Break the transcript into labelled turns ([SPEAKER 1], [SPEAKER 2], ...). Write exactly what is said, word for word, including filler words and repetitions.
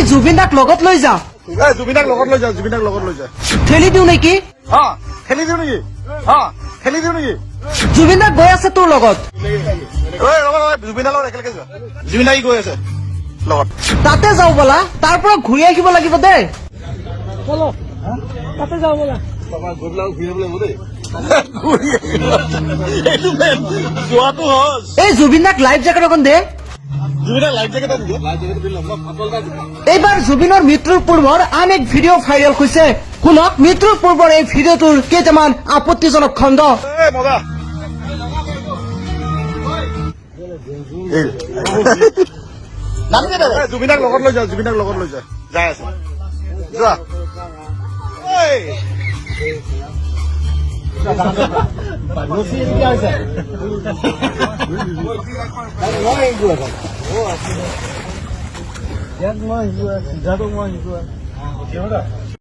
[SPEAKER 1] জুবিন দাক লগত লৈ যা
[SPEAKER 2] জুবিনাক লগত লৈ যা জুবিনাক লগত লৈ যা
[SPEAKER 1] ঠেলি দিওঁ নেকি
[SPEAKER 2] হা খেলি দিওঁ নেকি হা খেলি দিওঁ নেকি
[SPEAKER 1] জুবিন দাক গৈ আছে তোৰ লগত
[SPEAKER 2] জুবিনাৰ লগত একেলগে যোৱা জুবিন দাই গৈ আছে লগত
[SPEAKER 1] তাতে যাওঁ বলা তাৰ পৰা ঘূৰি আহিব লাগিব দেই তাতে যাওঁ বলা
[SPEAKER 2] যোৱাটো হজ
[SPEAKER 1] এই জুবিন দাক লাইফ জেকেট এখন দে
[SPEAKER 2] জুবিনাক লাইফ জেকেট
[SPEAKER 1] এইবাৰ জুবিনৰ মৃত্যুৰ পূৰ্বৰ আন এক ভিডিঅ' ভাইৰেল হৈছে শুনক মৃত্যুৰ পূৰ্বৰ এই ভিডিঅ'টোৰ কেইটামান আপত্তিজনক খণ্ড
[SPEAKER 2] মজা জুবিনাক লগত লৈ যা জুবিনাক লগত লৈ যা যাই আছে যোৱা মই